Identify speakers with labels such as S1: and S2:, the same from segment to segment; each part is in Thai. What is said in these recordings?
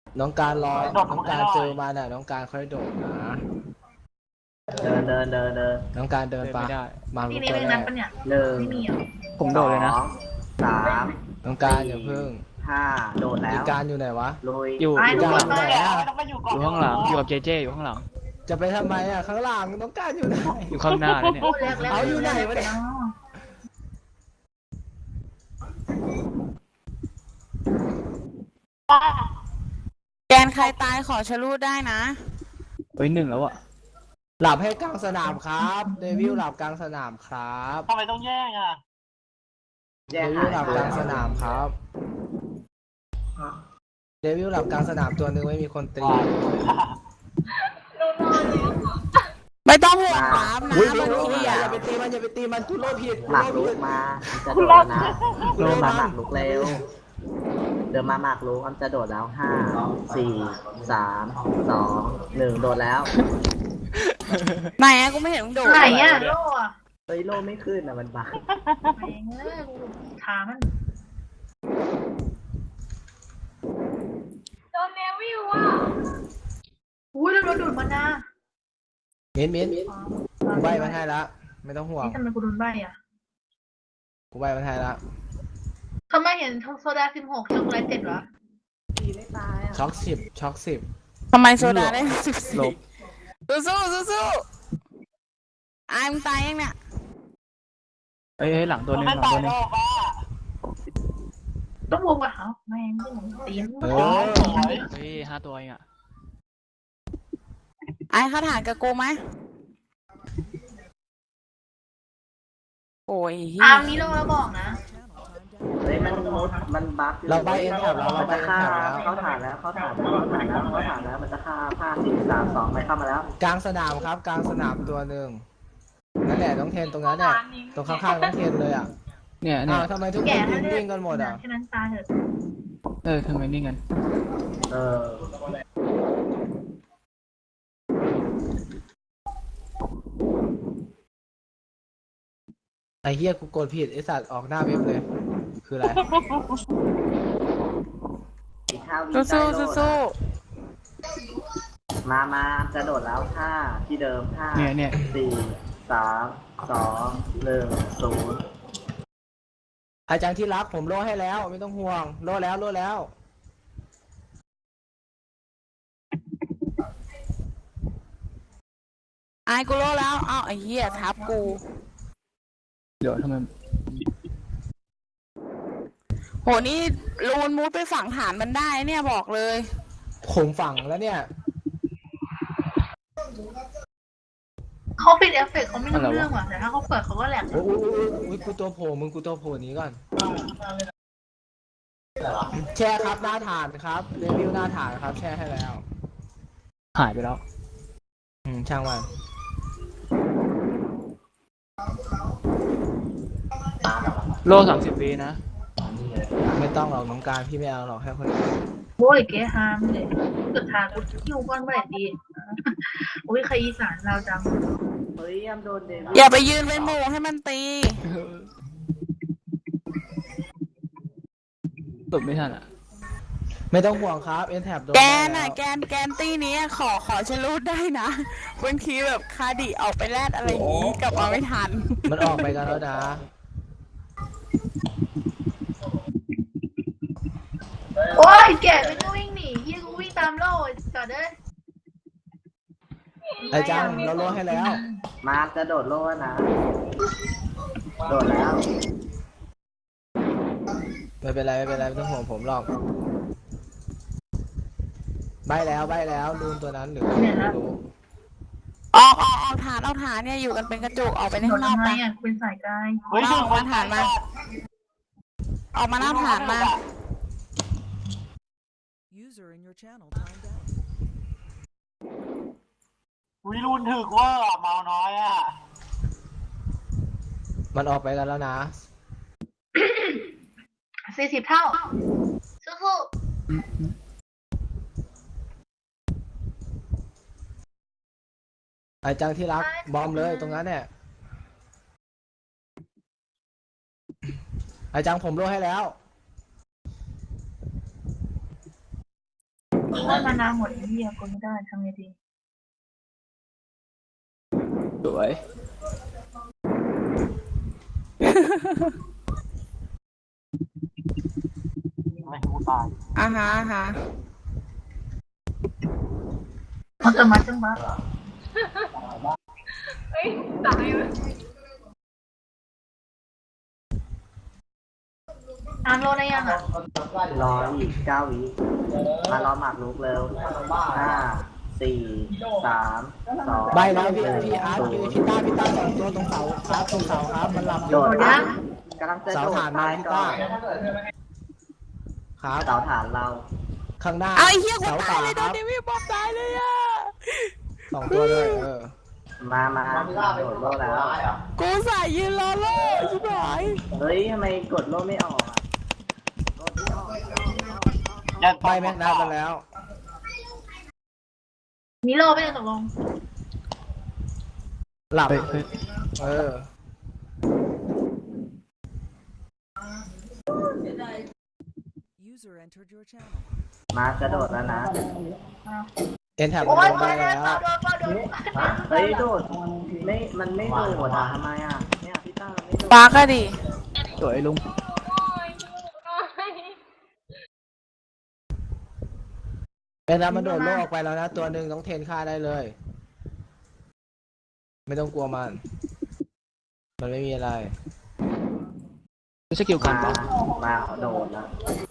S1: น้องการรอน้องการเจอมาน่ะน้องการค่อยโดดนะ
S2: เดิน
S1: น้องการเดินไปมาลุ
S3: ที่
S1: ก
S3: นี่
S1: ตัว
S3: ไม่
S1: แร
S3: นับ
S1: ก
S3: ปะเนี่ย
S2: หนึ่ง
S3: ไม่มีเหรอ
S4: ผมโดดเลยนะ
S2: สาม
S1: น้องการอย่าเพิ่ง
S2: ห้าโดดแล้
S1: อี
S2: ว
S1: การอยู่ไหนวะ
S2: ลุย
S4: อยู่
S3: ไอ้
S1: อยู่
S3: ทุก
S1: ก
S3: ค
S1: ลาง
S3: น
S1: ไหน
S3: มา
S1: อะ
S4: อยู่ข้างหลังอยู่กับเจเจอยู่ข้างหลัง
S1: จะไปทำไมอ่ะข้างหลังน้องการอยู่ไหน
S4: อยู่ข้างหน้าเนี่ย
S3: พูดแรกๆ
S1: เอาอยู่ไหนวะเนี่ย
S5: แกนใครตายขอชะลูดได้นะ
S4: เฮ้ยหนึ่งแล้วอะ
S1: หลับให้กลางสนามครับเดวิลหลับกลางสนามครับ
S6: ทำไมต้องแย่งอ่ะ
S1: เดวิลหลับกลางสนามครับเดวิลหลับกลางสนามตัวหนึ่งไม่มีคนตี
S5: ไม่ต้องห่วงครับนะ
S1: อุ้ย
S5: บางที
S1: อย่า
S5: อ่ะ
S1: ไปตีมันอย่าไปตีมันกูโลผิด
S2: หมาก
S1: กู
S2: ลุ
S1: โล
S2: ก
S1: ผิด
S2: มาจะโดดนะเดินมาหมากลุกเร็วเดินมาหมากลุกอันจะโดดแล้วห้าสี่สามสองหนึ่งโดดแล้ว
S5: ไหนอะกูไม่เห็นมึงโดด
S3: ไหนอ่ะโล่อะ
S2: เฮ้ยโลไม่ขึ้นอ่ะมันบัก
S3: ไหนเงี้ยกูถามมันโดนเนวิวอ่ะอุ้ยแล้วเราดูดมันนะ
S1: มิ้นกูใบมันให้ละไม่ต้องห่วง
S3: นี่ทำไมกูโดนใบอ่ะ
S1: กูใบมันให้ละ
S3: ทำไมเห็นโซดา16ช็อกโกแลต7วะ
S1: ช็อก10
S5: ทำไมโซดาได้สิบ
S4: หล
S5: สี่
S4: บ
S5: สู้อายมึงตายยังเนี่ย
S4: เฮ้ยหลังตัวหนึงห
S6: ไม่
S4: ลัง
S6: ตา
S4: ตั
S6: ยว
S4: หนึ
S6: โล
S4: ง
S6: กอ่ะ
S3: ต้องวงกับเขาแม่งตีน
S1: เอ
S6: โอ้
S1: อ
S6: ยสวย
S4: เฮ้ย5 ตัวเองอะ
S5: อายคาถากับกูไหมโอ้ยเหี้ย
S3: นี้ลงแล้วบอกนะ
S2: เฮ้ยมันมุดมันบัก
S1: เราใบเอ็นแถบแล้วเรา
S2: มัน
S1: ใบ
S2: จะ
S1: เอ็น
S2: ฆ่า
S1: แถบแล้ว
S2: เข้าฐานแล้วเข้าฐานแล้วเข้าฐานแล้วเข้าฐานแล้วมันจะฆ่าห้าสี่สามสองไปเข้ามาแล้ว
S1: กลางสนามครับกลางสนามตัวหนึ่งนั่นแหละน้องเทนตรงนั้นแหละตรงข้างๆน้องเทนเลยอ่ะ
S4: เนี่ย
S1: อ้าวทำไมทุกค
S3: แก่
S1: น
S3: แล้ว
S1: ยืน
S3: เนี่ย
S1: วิ่งกันหมดอ่ะ
S3: แค่นั้นตายเถอะ
S4: ทำไมนิ่งกัน
S2: เออ
S1: ไอ้เฮียกูกดผิดไอ้สัตว์ออกหน้าเว็บเลย คืออะไร
S2: อีกห้าวิ
S5: สู้
S2: ได้โล
S5: สู้
S2: มาจะโดดแล้วห้าที่เดิมห้า
S4: เนี่ย
S2: สี่สามสองหนึ่งศูนย์
S1: อาจารย์ที่รักผมโล่ให้แล้วไม่ต้องห่วงโล่แล้ว
S5: อายกูโลแล้วอ้าวไอ้เหี้ยทับกู
S4: เดี๋ยวทำไม
S5: โหนี่ลูนมูดไปฝังฐานมันได้เนี่ยบอกเลย
S1: ผมฝังแล้วเนี่ย
S3: เขาปิดเอฟเฟกต์เขาไม่รู้เรื่องว่ะแต่ถ้าเขาเปิดเขาก็แหลก
S1: โอ้ยกูตัวโผล่มึงกูตัวโผล่หนี้ก่อนแชร์ครับหน้าฐานครับรีวิวหน้าฐานครับแชร์ให้แล้ว
S4: หายไปแล้ว
S1: ช่างมัน
S4: โล30 วินะ
S1: ไม่ต้องหรอกน้องการพี่ไม่เอาหรอกให้คนอื่น
S3: โว้ยเก๋ฮามเลยเกิดทางกูคิวก้อนเมื่อไหร่ดีอุ้ยใครอีสานเราจัง
S2: เฮ้ยยำโดนเดวิด
S5: อย่าไปยืนเป็นหมู่ให้มันตี
S4: ตบไม่ทันอะ
S1: ไม่ต้องห่วงครับเอ็นแท็บโดน
S5: แก
S1: ได้
S5: น
S1: แล้
S5: อ่ะ
S1: ว
S5: แกนตี้นี้ขอชะลูดได้นะบางทีแบบคาดิออกไปแลดอะไรอย่างงี้กลับมาไม่ทัน
S1: มันออกไปกันแล้วนะ
S3: โอ้ยแก่ไปก็วิ่งหนียี่กูวิ่งตามโล่จอดเด้อ
S1: ไอ้จังเราโล่ให้แล้ว
S2: มาจะโดดโลดนะ โดดแล้ว
S1: ไม่เป็นไรไม่ต้องห่วงผมหรอกใบแล้วลูนตัวนั้นหรือไม่รู้
S5: ออกฐานเนี่ยอยู่กันเป็นกระจุกออกไป
S3: โด
S5: ข้าน งนอก
S3: ทำไม
S5: ไป
S3: อ่ะคุณใส่กาย
S6: เฮ้ย
S5: เอามาฐานมา ออกมาหน้าฐานมา
S7: User in your channel timed out.
S6: วิรุณถึกว่าเมาน้อยอ่ะ
S1: มันออกไปกันแล้วนะ
S3: 40 เท่าสู้
S1: ไอ้จังที่รักบอมเลยตรงนั้นเนี่ยไอ้จังผมโล่ให้แล้ว
S3: ว่ามานาวหมดที่ยังกดไม่ได้ทำไงดี
S4: สวย
S6: ไม่ให้กูตาย
S5: อ่าฮะอ่าฮะ
S3: มันจะมาจังบ้า
S8: เฮ้ยตายเลย
S3: น้ำโลได้ยังอ่ะ
S2: รออีก9 วิมารอหมากรุกเร็ว5 4 3 2
S1: ใบแล้วพี่อาร์ตพี่ต้า2 ตัวตรงเสาครับตรงเสาครับมันหลับอ
S2: โด
S1: ยู่
S2: ดนะกำลังจะ
S1: เสา
S2: โดด
S1: ฐานมา
S2: ตาย
S1: พี่
S2: ก่อ
S1: ต้าน ครับ
S2: เสาฐานเรา
S1: ข้างหน้า
S5: เอาไอ้เหี้ยกู
S1: เสา
S5: ตา
S1: ขาย
S5: เลยโด
S1: ครั
S5: น
S1: บ
S5: เดวิดบอมตายเลยอ่ะ
S1: 2 ตัวเลย
S2: มาโดดโลแล้ว
S5: กูใส่ยืนรอโล่ชิบหาย
S2: เฮ้ยทำไมกดโลไม่ออกอ่ะกดไม่ออก
S1: ใบแม็กนัดมาแล้ว
S3: มีโลไม่ได้ตกลง
S1: หลับ
S4: เฮ้ย
S7: User entered your channel.
S2: มากระโดดแล้วนะ
S1: เอ็นแท็บ
S3: โอ้
S1: ล
S3: ย
S1: ง
S3: ไป
S1: ไป
S3: แล้
S1: แล้ว ว
S3: โดน
S2: เฮ้ยโดดมันไม่โดดอ่ะทำไมอ่ะเนี่ยพี่ต้ามันไม่โดด
S5: ปากอะดิ
S4: สวยลุง
S1: เอ็นแท็บมันโดดโลกออกไปแล้วนะตัวหนึ่งต้องเทนฆ่าได้เลย ไม่ต้องกลัวมัน มันไม่มีอะไร
S4: ไม่ใช่กิลกัน
S2: มาโดดแล้ว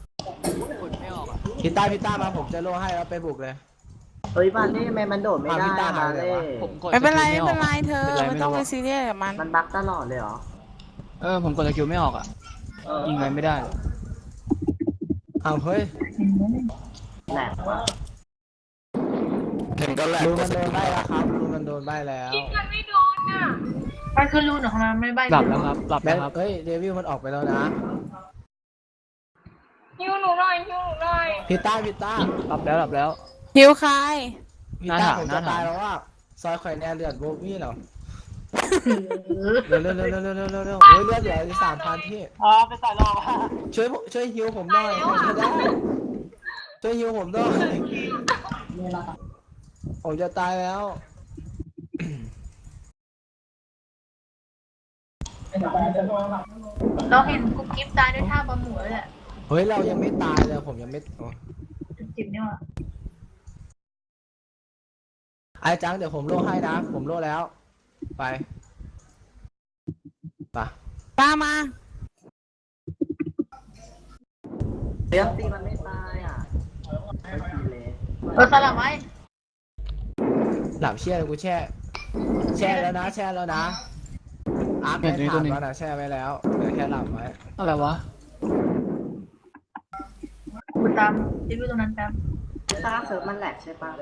S1: พี่ต้ามาผมจะโลให้แล้วไปบุกเลย
S2: เฮ้ยบ้านนี่ทำไมมันโดดไม่ได้
S1: พี่ต้า
S2: อะ
S1: หา
S2: บ้าน
S1: เล
S2: เล่
S1: ยวะ
S4: ผมกด
S5: ไม่เป็นไร
S4: ส
S5: ไม่
S4: กิล
S5: เป็นไร
S4: ออก
S5: เธอ
S4: เป็นไร
S5: ไม่
S4: ไม่
S5: ต้อง
S4: รู้
S5: ไป
S4: อะ
S5: ซีเรียสกับมัน
S2: มันบั๊กตลอดเลยเหรอ
S4: ผมกดสกิลไม่ออกอ่ะ ยิงไงไม่ได้เลย
S1: อ้าวเฮ้ย
S2: แหลกว่ะ
S1: รูมันโดนใบแล้วครับรูมันโดนใบแล้ว
S8: ยิงกันไม่โดนอ่ะ
S3: มันคือรูนของมันไม่ใบ
S4: หลับแล้วครับ หลับ
S1: แม็
S4: แล้ว
S1: ก
S4: ครับ
S1: เฮ้ยเดวิลมันออกไปแล้วนะ
S8: ฮิวหนูหน่อยฮิวหนูหน่อย
S1: พี่ต้า
S4: หลับแล้วหลับแล้ว
S5: หิวใคร
S1: พี่ต้าผม
S4: หน้า
S1: จะ
S4: ถาม
S1: ตายแล้วว่าซอยข่อยแน่เลือดโบวี่เหรอเร็วเฮ้ยเลือดเหลือ3,000ที่
S6: ไปใส่รอบ
S1: ช่วยฮิวผมหน่อยผมจะได้ช่วยฮิวผมหน่อยผมจะตายแล้ว
S3: เราเห็นกุ๊กกิ๊บตายด้วยท่าบอลหมูเลยแหละ
S1: เฮ้ยเรายังไม่ตายเลยผมยังไม่โอ้
S3: จิบนี่ว่ะ
S1: ไอ้จังเดี๋ยวผมโล่ให้นะผมโล่แล้ว ไป
S5: ตามมา
S2: เลี้ยงตีมันไม่ตายอ่ะไม่ตีเลย
S3: สลับไว้
S1: หลับเชี่ยเลยกูแช่แล้วนะอาร์ตไม่ถามแล้วนะแช่ไว้แล้วเหลือแค่หลับไว้
S4: อะไรวะ
S3: กูตามรีวิวตรงนั้นแป๊บ
S2: ตาเซิร์ฟมันแหลกใช่ปะ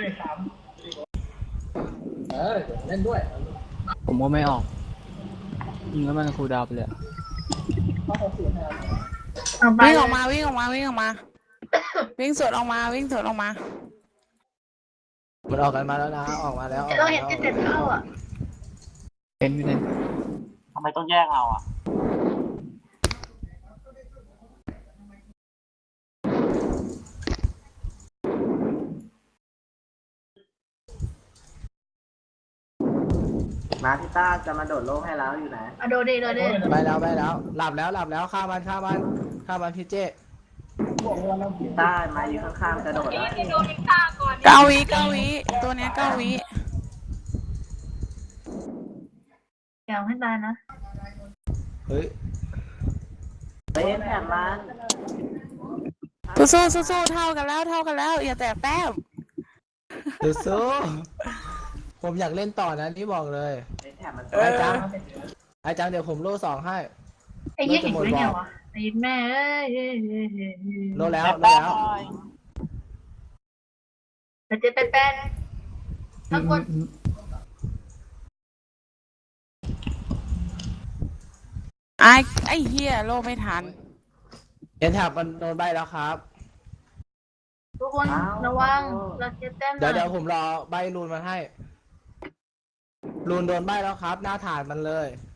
S4: ผมก็ไม่ออก ยิงแล้วมันคูลดาวน์ไปเลยอะ
S3: เอาไป
S5: วิ่งออกมาวิ่งออกมาวิ่งออกมา วิ่งสวนออกมาวิ่งสวนออกมา
S1: มันออกกันมาแล้วนะออกมาแล้ว
S3: เราเห็นจะเจ็ดเข้าอ่ะ
S4: เป็นไม่ได้
S6: ทำไมต้องแยกเราอ่ะ
S2: มาพี่ต้าจะมาโดดโลกให้แล้วอยู่ไหน
S3: อะโดเด
S1: ไปแล้วหลับแล้วฆ่ามันพี่เจ
S2: พี่ต้ามาอยู่ข้างๆจะโดด
S8: นี่
S2: แล้ว
S8: ที่โดนยิงฆ่าก่อน
S5: 9 วิตัวเนี้ย9 วิ
S3: อย่าให้ตายนะ
S1: เฮ้ย
S2: เฮ้ยแถมมัน
S5: สู้เท่ากันแล้วอย่าแตกแต้ม
S1: เดี๋ยวสู้ผมอยากเล่นต่อนะนี่บอกเลย
S2: เฮ้ยแถมมัน
S1: ไอ้จังเดี๋ยวผมโล่2ให้
S3: ไอ้ยี่เห็นได้ไงวะไอ้แม่เอ้ย
S1: โล่แล้ว
S3: แต่เจ็ดแปดทั้งหมด
S5: ไอ้เฮียโลไม่ทัน
S1: เอ็นแท็บมันโดนใบแล้วครับ
S3: ทุกคนระวังเราเจ็ดแต้ม
S1: เดี๋ยวผมรอใบรูนมาให้รูนโดนใบแล้วครับ หน้าฐานมันเลย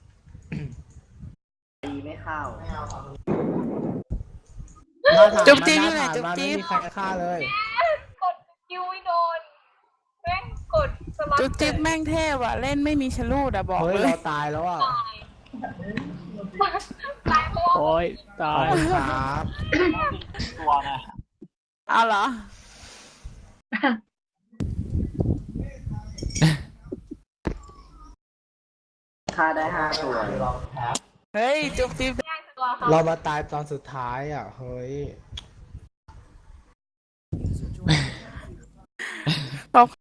S2: ตีไม่เข้า
S5: จุ๊บจิ๊บ
S1: ห
S5: อยู่ไหน
S1: น้าฐานมัน
S5: จุ๊บจิ๊
S1: ไม่
S5: บ
S1: มีใครฆ่าเลย
S5: จุ๊บจิ๊บแม่งเทพอะเล่นไม่มีชะลูดอะบอก
S1: เฮ้ย
S5: เลย
S1: เราตายแล้วอ่ะ
S8: ตายเพราะว่า
S4: โอ้ยตา
S1: ขอบ
S4: ย
S1: คุณครับ
S6: ตัวนะ
S5: เอาเหรอ
S2: ฆ่าได้5ตัว
S5: เฮ้ย จุ๊บจิ๊บ
S8: แย่งตัวเขา
S1: เรามาตายตอนสุดท้ายอ่ะ เฮ้ย
S7: User joined your channel.